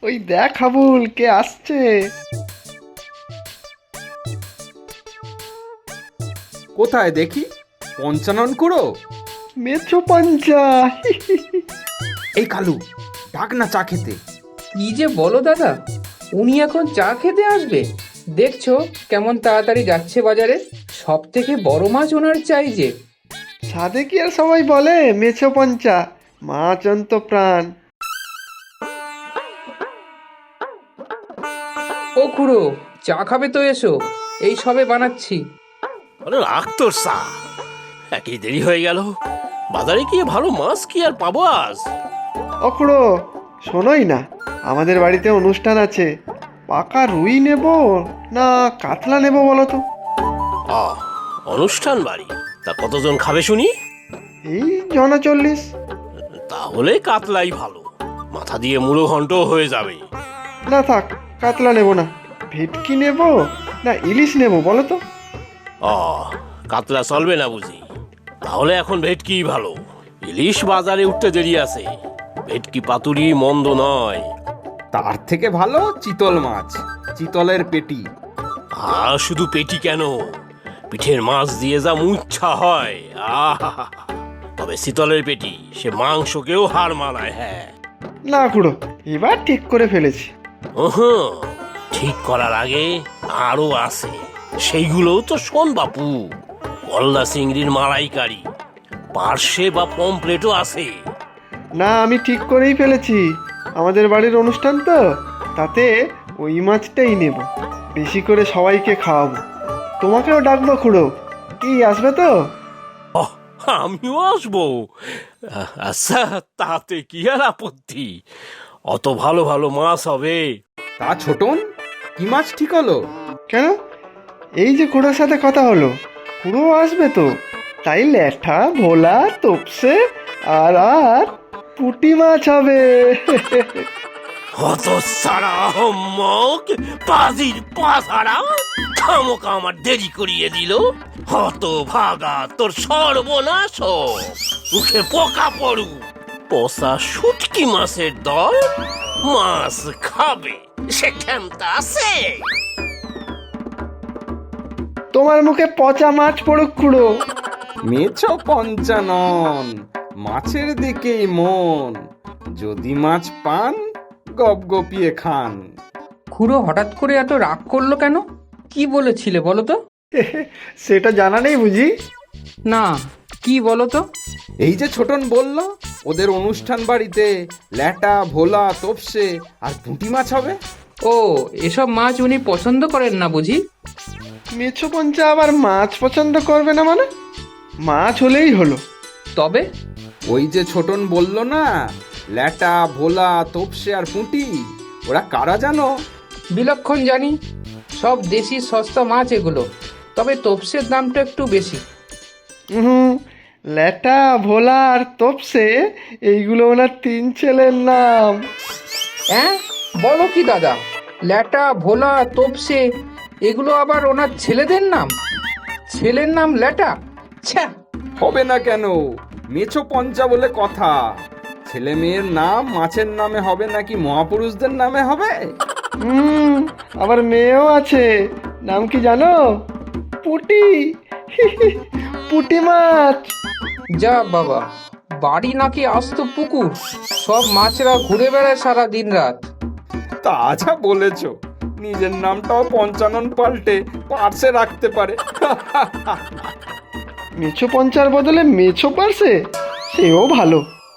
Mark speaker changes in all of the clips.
Speaker 1: ওই দেখ হাবুল, কে আসছে।
Speaker 2: কোথায় দেখি? পঞ্চানন কুড়ো?
Speaker 1: মেছো পঞ্চা।
Speaker 2: এই কালু, ডাক না চা খেতে।
Speaker 3: কি যে বলো দাদা, উনি এখন চা খেতে আসবে? দেখছো কেমন তাড়াতাড়ি যাচ্ছে বাজারে। সব থেকে বড় মাছ ওনার চাই যে।
Speaker 1: সাধে কি আর সবাই বলে মেছো পঞ্চা, মাছ অন্ত প্রাণ।
Speaker 3: ও খুড়ো, চা খাবে তো এসো, এই সবে বানাচ্ছি।
Speaker 4: আরে রাখ তোর চা, একই দেরি হয়ে গেল। বাজারে গিয়ে ভালো মাছ কি আর পাবো আজ?
Speaker 1: অখুড়ো, শোনোই না, আমাদের বাড়িতে অনুষ্ঠান আছে। পাকা রুই নেব না কাতলা নেব বলো তো?
Speaker 4: অনুষ্ঠান বাড়ি, তা কতজন খাবে শুনি?
Speaker 1: এই জনা 40।
Speaker 4: তাহলে কাতলাই ভালো, মাথা দিয়ে মুড়ো ঘন্ট হয়ে যাবে।
Speaker 1: না থাক, কাতলা নেব না। ভেটকি নেব না ইলিশ নেব বলো তো?
Speaker 4: কাতলা চলবে না বুঝি? তাহলে এখন ভেটকি ভালো। ইলিশ বাজারে উঠতে দেরি আছে। ভেটকি পাতুরি মন্দ নয়।
Speaker 2: তার থেকে ভালো চিতল মাছ, চিতলের পেটি।
Speaker 4: আর শুধু পেটি কেন, পিঠের মাছ দিয়ে যা মুচ্ছা হয়। আহা, তবে শীতলের পেটি সে মাংসকেও হার মানায়। হ্যাঁ
Speaker 1: না খুড়ো, এবার ঠিক করে ফেলেছি।
Speaker 4: ঠিক করার আগে আরো আছে, সেইগুলোও তো শোন বাপু। গলদা চিংড়ির মালাইকারি, পার্শে বা পমপ্লেটও আছে।
Speaker 1: না, আমি ঠিক করেই ফেলেছি। আমাদের বাড়ির অনুষ্ঠান তো, তাতে ওই মাছটাই নেব। বেশি করে সবাইকে খাওয়াবো। তোমাকেও ডাকবো খুড়ো, কি আসবে তো?
Speaker 4: আমিও আসবো। আচ্ছা, তাতে কি আর আপত্তি? অত ভালো ভালো মাছ হবে।
Speaker 2: তা ছোটন, কি মাছ ঠিক হলো?
Speaker 1: কেন, এই যে খুড়োর সাথে কথা হলো, খুড়ো আসবে তো। তাই ল্যাঠা ভোলা তোপসে আর আর পুঁটি মাছ হবে।
Speaker 4: হত সারা হম্মক, পাজির পাসারা, খামোকা আমার দেরি করিয়ে দিল। হত ভাগা, তোর সর্বনাশ হোক। মুখে পোকা পড়ু। পচা শুটকি মাছের দল মাছ খাবে, সে ক্ষমতা আছে?
Speaker 1: তোমার মুখে পচা মাছ পড়ুক খুড়ো।
Speaker 2: মেছো পঞ্চানন, মাছের দিকেই মন। যদি মাছ পান, গপগপিয়ে খান।
Speaker 3: খুড়ো হঠাৎ করে এত রাগ করলো কেন? কি বলেছিলে বলো তো?
Speaker 1: সেটা জানা নেই বুঝি?
Speaker 3: না, কি বলো তো?
Speaker 2: এই যে ছোটন বলল, ওদের অনুষ্ঠান বাড়িতে ল্যাটা ভোলা তোপসে আর পুঁটি মাছ হবে।
Speaker 3: ও, এসব মাছ উনি পছন্দ করেন না বুঝি?
Speaker 1: মেছো পঞ্চা আবার মাছ পছন্দ করবে না মানে? মাছ হলেই হলো।
Speaker 3: তবে
Speaker 2: ওই যে ছোটন বলল না, ল্যাটা ভোলা তোপসে আর পুঁটি, ওরা কারা জানো?
Speaker 3: বিলক্ষণ জানি, সব দেশি সস্তা মাছ এগুলো। তবে তোপসের দামটা একটু বেশি।
Speaker 1: হুম, ল্যাটা ভোলা আর তোপসে এইগুলো ওনার 3 ছেলের নাম।
Speaker 3: হ্যাঁ, বলো কি দাদা? ল্যাটা ভোলা তোপসে এগুলো আবার ওনার ছেলেদের নাম? ছেলের নাম ল্যাটা? ছ্যা!
Speaker 2: হবে না কেন? মেছো পঞ্চা বলে কথা। ছেলে মেয়ের নাম মাছের নামে হবে নাকি মহাপুরুষদের নামে হবে?
Speaker 1: হুম, আবার মেয়েও আছে। নাম কি জানো? পুটি। পুটি মাছ।
Speaker 3: যা বাবা, বাড়ি নাকি আস্ত পুকুর, সব মাছরা ঘুরে বেড়ায় সারা দিন রাত।
Speaker 2: তা যা বলেছ, নিজের নামটাও পঞ্চানন পাল্টে পার্সে রাখতে পারে।
Speaker 1: মেছো পঞ্চার বদলে মেছো পারছে, সেও ভালো।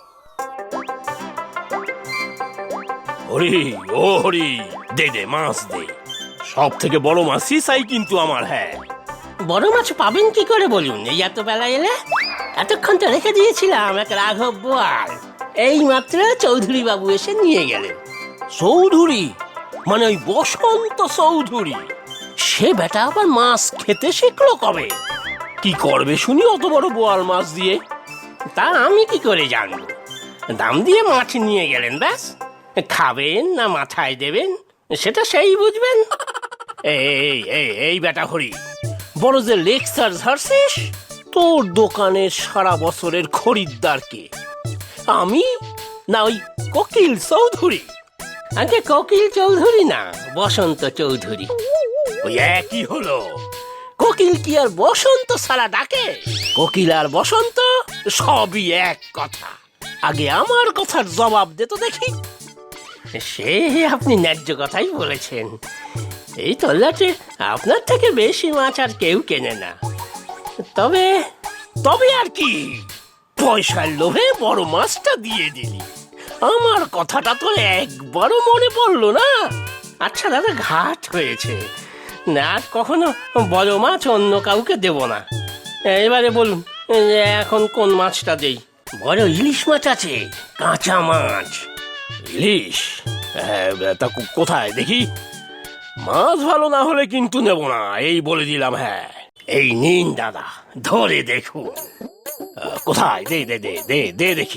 Speaker 4: হরি, ও হরি, দে দে মাছ দে। সব থেকে বড় মাছই চাই কিন্তু আমার। হ্যাঁ,
Speaker 5: বড় মাছ পাবেন কি করে বলুন? এই এত বেলা এলে? এতক্ষণ তো রেখে দিয়েছিলাম এক রাঘব বোয়াল। এই মাত্র চৌধুরী বাবু এসে নিয়ে গেলেন।
Speaker 4: চৌধুরী মানে ওই বসন্ত চৌধুরী?
Speaker 5: সে বেটা আবার মাছ খেতে শিখলো কবে?
Speaker 4: কি করবে শুনি অত বড় বোয়াল মাছ দিয়ে?
Speaker 5: তা আমি কি করে জানবো? দাম দিয়ে মাছ নিয়ে গেলেন, ব্যাস। খাবেন না মাথায় দেবেন সেটা সেই বুঝবেন।
Speaker 4: এই এই এই বেটা হরি, বড় যে লেকচার ঝাড়ছিস? তোর দোকানের সারা বছরের খরিদ্দার কে, আমি না ওই কোকিল চৌধুরী?
Speaker 5: আগে কোকিল চৌধুরী না, বসন্ত চৌধুরী।
Speaker 4: ওই একই হলো।
Speaker 5: কোকিল কি আর বসন্ত সারা ডাকে? কোকিল আর বসন্ত সবই এক কথা। আগে আমার কথার জবাব দে তো দেখি। সে আপনি ন্যায্য কথাই বলেছেন। এই তল্লাটে আপনার থেকে বেশি মাছ আর কেউ কেনে না। তবে
Speaker 4: তবে আর কি, পয়সার লোভে বড় মাছটা দিয়ে দিলি।
Speaker 5: আমার কথাটা তো একবারও মনে পড়লো না। আচ্ছা দাদা, ঘাট হয়েছে, না আর কখনো বড় মাছ অন্য কাউকে দেব না। এবারে বলুন যে এখন কোন মাছটা দেই? বড় ইলিশ মাছ আছে, কাঁচা মাছ।
Speaker 4: ইলিশ? তা কোথায় দেখি? মাছ ভালো না হলে কিন্তু নেব না, এই বলে দিলাম। হ্যাঁ,
Speaker 5: এই নিন দাদা, ধরে দেখুন।
Speaker 4: কোথায়? দে দে দে দে দে দেখি।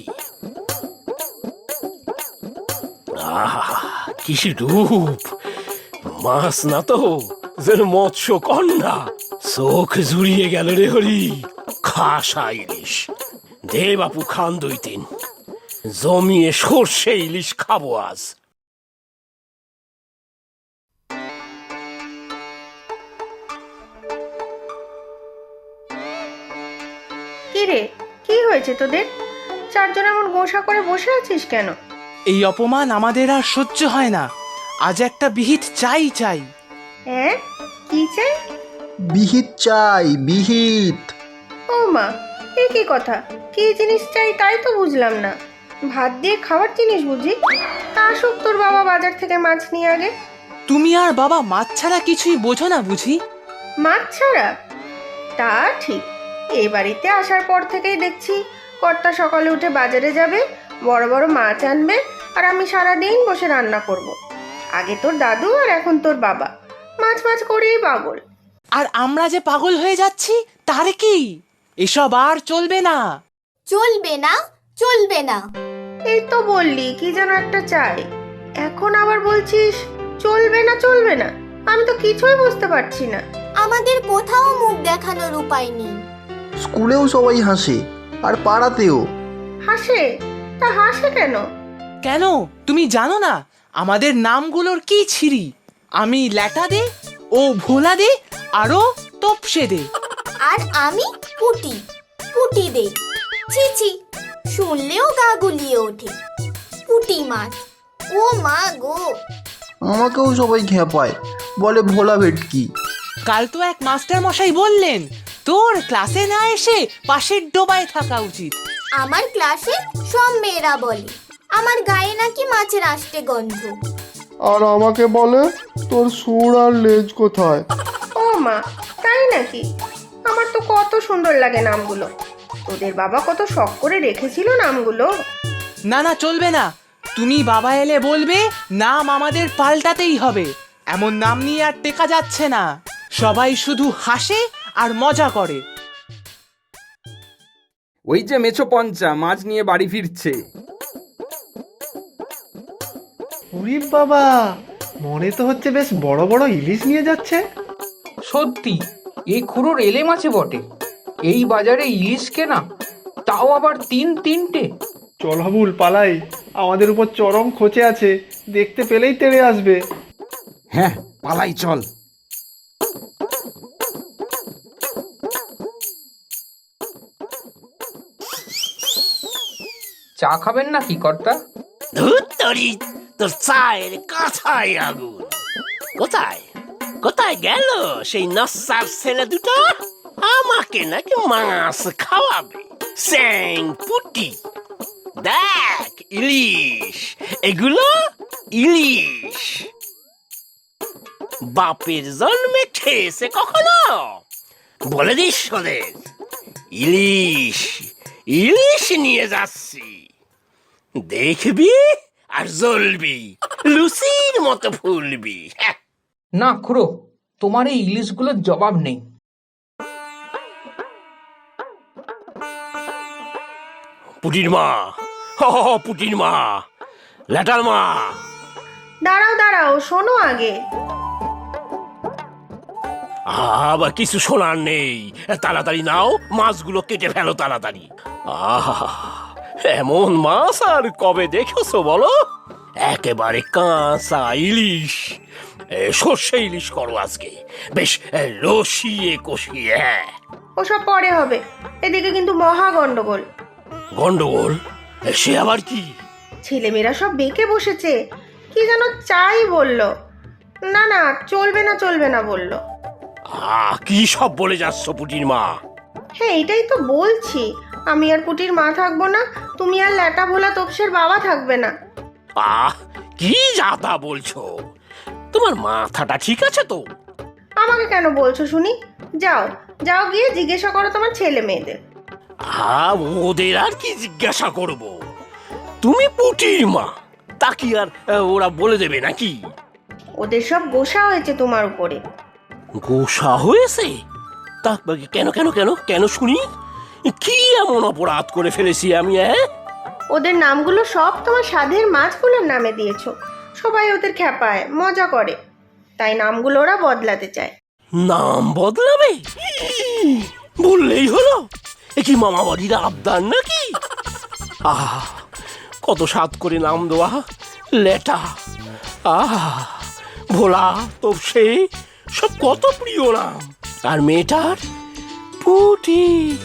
Speaker 4: আহা, কি রূপ! মাছ না তো, যেন মৎস্য কন্যা। চোখ জুড়িয়ে গেল রে হরি। খাসা ইলিশ দে বাপু, খান 2-3। জমিয়ে সর্ষে ইলিশ খাবো আজ।
Speaker 6: কি রে, কি হয়েছে তোদের? চারজন এমন গোসা করে বসে আছিস কেন?
Speaker 7: এই অপমান আমাদের আর সহ্য হয় না। আজ একটা বিহিত চাই চাই।
Speaker 6: হ্যাঁ, কি চাই?
Speaker 8: বিহিত চাই, বিহিত।
Speaker 6: ও মা, এ কি কথা? কি জিনিস চাই তাই তো বুঝলাম না। ভাত দিয়ে খাওয়ার জিনিস বুঝি? তা আসুক তোর বাবা বাজার থেকে মাছ নিয়ে আগে।
Speaker 7: তুমি আর বাবা মাছ ছাড়া কিছুই বোঝো না বুঝি?
Speaker 6: মাছ ছাড়া? তা ঠিক। এই বাড়িতে আসার পর থেকেই দেখছি কর্তা সকালে উঠে বাজারে যাবে, বড় বড় মাছ আনবে, আর আমি সারাদিন বসে রান্না করব। আগে তোর দাদু আর এখন তোর বাবা মাছ মাছ করেই পাগল।
Speaker 7: আর আমরা যে পাগল হয়ে যাচ্ছি তার কি? এসব আর চলবে না।
Speaker 9: চলবে না, চলবে না।
Speaker 6: এই তো বললি কি যেন একটা চাই, এখন আবার বলছিস চলবে না চলবে না। আমি তো কিছুই বুঝতে পারছি না।
Speaker 9: আমাদের কোথাও মুখ দেখানোর উপায় নেই।
Speaker 8: স্কুলেও সবাই হাসে, আর পাড়াতেও।
Speaker 6: হাসে? তা হাসে কেন?
Speaker 7: কেন তুমি জানো না আমাদের নামগুলোর কি ছিরি? আমি ল্যাটা দে, ও ভোলা দে, আরো তপসে দে।
Speaker 9: আর আমি পুটি, পুটি দে। ছি ছি, শুনলেও গা গুলিয়ে ওঠে। পুটি মাছ, ও মা গো।
Speaker 8: আমাকেও সবাই খেপায়, বলে ভোলা ভেটকি।
Speaker 7: কাল তো এক মাস্টার মশাই বললেন তোর ক্লাসে না এসে পাশের ডোবায় থাকা উচিত।
Speaker 9: আমার ক্লাসে সব মেয়েরা বলে আমার গায়ে নাকি মাছের আষ্টে গন্ধ।
Speaker 1: আর আমাকে বলে তোর সুর আর লেজ কোথায়।
Speaker 6: ও মা, তাই নাকি? আমার তো কত সুন্দর লাগে নামগুলো। তোদের বাবা কত শখ করে রেখেছিল নামগুলো।
Speaker 7: না না, চলবে না। তুমি বাবা এলে বলবে নাম আমাদের পাল্টাতেই হবে। এমন নাম নিয়ে আর টেকা যাচ্ছে না। সবাই শুধু হাসে আর মজা করে।
Speaker 2: ওই যে মেছো পঞ্চা মাছ নিয়ে বাড়ি ফিরছে।
Speaker 1: উরি বাবা, মনে তো হচ্ছে বেশ বড় বড় ইলিশ নিয়ে যাচ্ছে।
Speaker 3: সত্যি, এই খুঁড়োর এলে মাছে বটে। এই বাজারে ইলিশ কেনা, তাও আবার 3-3টে।
Speaker 1: চল হাবুল, পালাই। আমাদের উপর চরম খোঁচে আছে, দেখতে পেলেই তেড়ে আসবে।
Speaker 2: হ্যাঁ, পালাই চল।
Speaker 3: চা খাবেন নাকি কর্তা?
Speaker 5: ধুত্তরি, তোর চায়ের কাঁথায় আগুন। কোথায় কোথায় গেল সেই নস্যার ছেলে দুটো? আমাকে নাকি মাছ খাওয়াবে। স্যাং পুটি, দেখ ইলিশ, এগুলো ইলিশ। বাপের জন্মে খেয়েছে কখনো? বলে দিস ওদের, ইলিশ ইলিশ নিয়ে যাচ্ছি। দেখবি আর জ্বলবি, লুচির মতো ফুলবি।
Speaker 3: না খুড়ো, তোমার এই ইলিশগুলোর জবাব নেই।
Speaker 4: পুটির মা, পুটির মা, ল্যাটার মা।
Speaker 6: দাঁড়াও দাঁড়াও, শোনো আগে।
Speaker 4: আবার কিছু শোনার নেই, তাড়াতাড়ি নাও, মাছগুলো কেটে ফেলো তাড়াতাড়ি। আহা, এমন মাছ আর কবে দেখেছো বলো?
Speaker 5: একেবারে কাঁচা ইলিশ। সর্ষে ইলিশ করো আজকে, বেশ রসিয়ে কষিয়ে। হ্যাঁ,
Speaker 6: ওসব পরে হবে, এদিকে কিন্তু মহা গন্ডগোল।
Speaker 5: গন্ডগোল? সে আবার কি?
Speaker 6: ছেলেমেয়েরা সব বেঁকে বসেছে, কি যেন চাই বললো। না না, চলবে না চলবে না বললো।
Speaker 5: কি সব বলে যাচ্ছ পুটির মা?
Speaker 6: হ্যাঁ, এটাই তো বলছি, আমি আর পুটির মা থাকবো না, তুমি আর ল্যাটা ভোলা তোপসের বাবা থাকবে না।
Speaker 5: কি যাতা বলছো? তোমার মাথাটা ঠিক আছে তো?
Speaker 6: আমাকে কেন বলছো শুনি? যাও যাও, গিয়ে জিজ্ঞাসা করো তোমার ছেলে মেয়েদের।
Speaker 5: ওদের আর কি জিজ্ঞাসা করব? তুমি পুটির মা, তা কি আর ওরা বলে দেবে নাকি?
Speaker 6: ওদের সব গোসা হয়েছে তোমার উপরে।
Speaker 5: গোসা হয়েছে? তা কেন কেন কেন কেন শুনি? কি এমন অপরাধ করে ফেলেছি আমি?
Speaker 6: ওদের নামগুলো সব তোমার সাধের মাছগুলোর নামে দিয়েছো। সবাই ওদের খ্যাপায় মজা করে, তাই নামগুলো ওরা বদলাতে চায়।
Speaker 5: নাম বদলাবে? বললেই হলো। এ কি মামা বাড়ির আবদার নাকি? কত স্বাদ করে নাম দেওয়া। লেটা, ভোলা, তোপসে, সব কত প্রিয় নাম। আর মেয়েটার পুটি।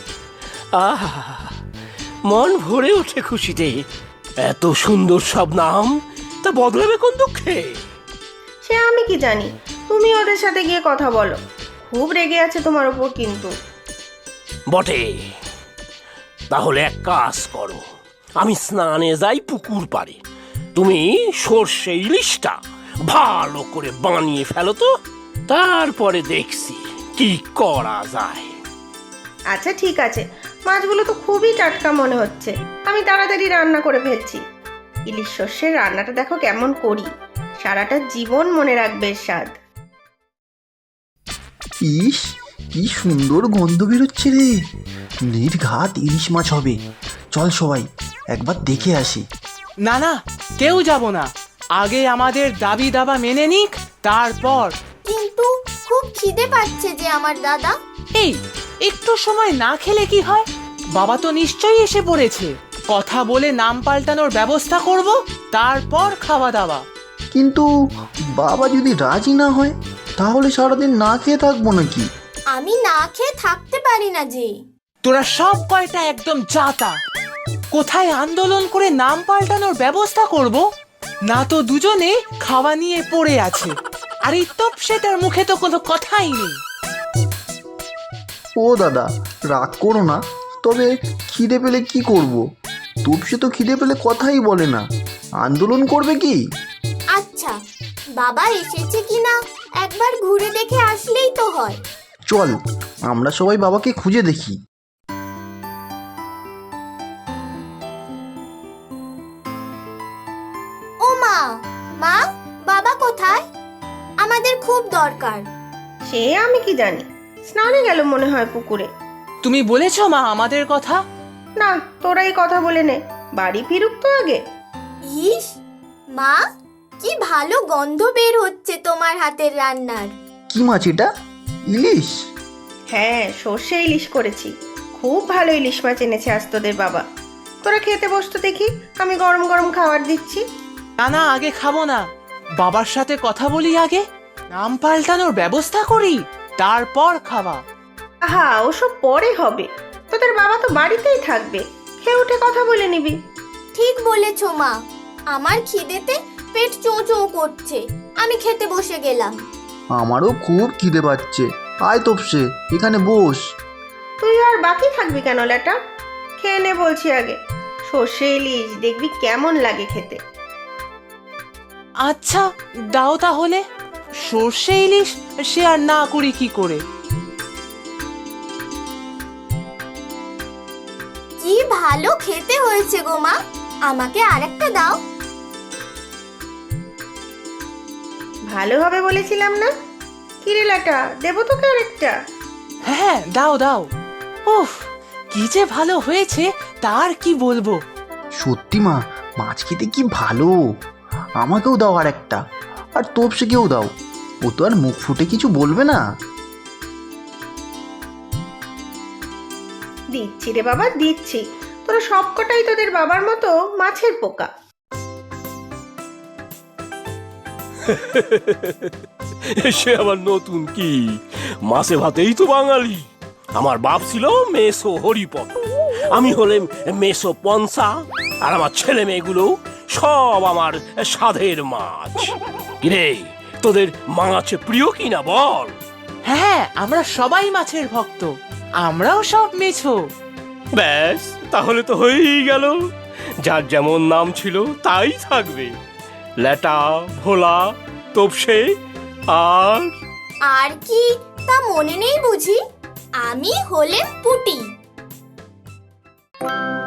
Speaker 5: মন ভরে ওঠে খুশিতে। এত সুন্দর সব নাম, তা বদলাবে কোন দুঃখে?
Speaker 6: সে আমি কি জানি, তুমি ওদের সাথে গিয়ে কথা বলো। খুব রেগে আছে তোমার ওপর কিন্তু।
Speaker 5: বটে, তাহলে এক কাজ করো, আমি স্নানে যাই পুকুর পাড়ে, তুমি সর্ষে ইলিশটা ভালো করে বানিয়ে ফেলো তো, তারপরে দেখছি কি করা যায়।
Speaker 6: আচ্ছা ঠিক আছে, মাছগুলো তো খুবই টাটকা মনে হচ্ছে, আমি তাড়াতাড়ি রান্না করে ফেলছি। ইলিশ সর্ষের রান্নাটা দেখো কেমন করি, সারাটা জীবন মনে রাখবে এর স্বাদ।
Speaker 8: ইস, কি সুন্দর গন্ধ বেরোচ্ছে রে। নির্ঘাত ইলিশ মাছ হবে। চল সবাই একবার দেখে আসি।
Speaker 7: না না, কেউ যাব না, আগে আমাদের দাবি দাবা মেনে নিক, তারপর।
Speaker 9: কিন্তু খুব খিদে পাচ্ছে যে আমার দাদা।
Speaker 7: এই একটু সময় না খেলে কি হয়? বাবা তো নিশ্চয়ই এসে পড়েছে, কথা বলে নাম পাল্টানোর ব্যবস্থা করব, তারপর খাওয়া দাওয়া।
Speaker 8: কিন্তু বাবা যদি রাজি না হয়, তাহলে সারাদিন না খেয়ে থাকবো নাকি?
Speaker 9: আমি না খেয়ে থাকতে পারি না যে।
Speaker 7: তোরা সব কয়টা একদম জাতা। কোথায় আন্দোলন করে নাম পাল্টানোর ব্যবস্থা করব, না তো দুজনে খাওয়া নিয়ে পড়ে আছে। আর এই তোপসেটার মুখে তো কোনো কথাই নেই।
Speaker 8: ও দাদা, রাগ করো না, তবে খিদে পেলে কি করব? তোপসে তো খিদে পেলে কথাই বলে না, আন্দোলন করবে কি?
Speaker 9: আচ্ছা, বাবা এসেছে কিনা একবার ঘুরে দেখে আসলেই তো হয়।
Speaker 8: চল আমরা সবাই বাবাকে খুঁজে দেখি।
Speaker 9: ও মা, মা, বাবা কোথায়? আমাদের খুব দরকার।
Speaker 6: সে আমি কি জানি, স্নানে গেল মনে হয় পুকুরে।
Speaker 7: তুমি বলেছো মা আমাদের কথা?
Speaker 6: না, তোরাই কথা বলে নে, বাড়ি ফিরুক তো আগে।
Speaker 9: ইস, মা, কি ভালো গন্ধ বের হচ্ছে তোমার হাতের রান্নার।
Speaker 8: কি মাছ এটা? ইলিশ?
Speaker 6: হ্যাঁ, সর্ষে ইলিশ করেছি, খুব ভালো ইলিশ মাছ এনেছে আজ তোদের বাবা। তোরা খেতে বসতো দেখি, আমি গরম গরম খাবার দিচ্ছি।
Speaker 7: না না, আগে খাবো না, বাবার সাথে কথা বলি আগে, নাম পাল্টানোর ব্যবস্থা করি, তারপর খাওয়া।
Speaker 6: আহা, ওসব পরে হবে, তোদের বাবা তো বাড়িতেই থাকবে, খেয়ে উঠে কথা বলে নিবি।
Speaker 9: ঠিক বলেছো মা, আমার খিদেতে পেট চোঁ চোঁ করছে, আমি খেতে বসে গেলাম।
Speaker 8: আমারও খুব খিদে পাচ্ছে। আয় তোপসে, এখানে বস।
Speaker 6: তুই আর বাকি থাকবি কেন ল্যাটা? খেয়ে নে বলছি আগে, সর্ষে ইলিশ দেখবি কেমন লাগে খেতে।
Speaker 7: আচ্ছা দাও তাহলে, সর্ষে ইলিশ সে আর না করি কি করে।
Speaker 9: কি ভালো খেতে হয়েছে গো মা, আমাকে আরেকটা দাও।
Speaker 6: ভালো হবে বলেছিলাম না? কিরে ল্যাটা, দেবো তোকে আরেকটা?
Speaker 7: হ্যাঁ দাও দাও। উফ, কি যে ভালো হয়েছে তার কি বলবো।
Speaker 8: সত্যি মা, মাছ খেতে কি ভালো। আমাকেও দাও আর একটা, আর তোপসেকেও দাও, ও তো আর মুখ ফুটে কিছু বলবে না।
Speaker 6: দিচ্ছি রে বাবা, দিচ্ছি, তোরা সবকটাই তোদের বাবার মতো মাছের পোকা।
Speaker 4: সে আবার নতুন কি? মাছে ভাতেই তো বাঙালি। আমার বাপ ছিল মেসো হরিপদ, আমি হলেম মেসো পনসা, আর আমার ছেলে মেয়েগুলো সব আমার সাধের মাছ। কিরে, তোদের মাছ প্রিয় কিনা বল?
Speaker 7: হ্যাঁ, আমরা সবাই মাছের ভক্ত, আমরাও সব মেছো।
Speaker 4: ব্যাস, তাহলে তো হয়েই গেল। যার যেমন নাম ছিল তাই থাকবে। ল্যাটা, ভোলা, তোপসে আর
Speaker 9: আর কি তা মনে নেই বুঝি? আমি হলেম পুটি।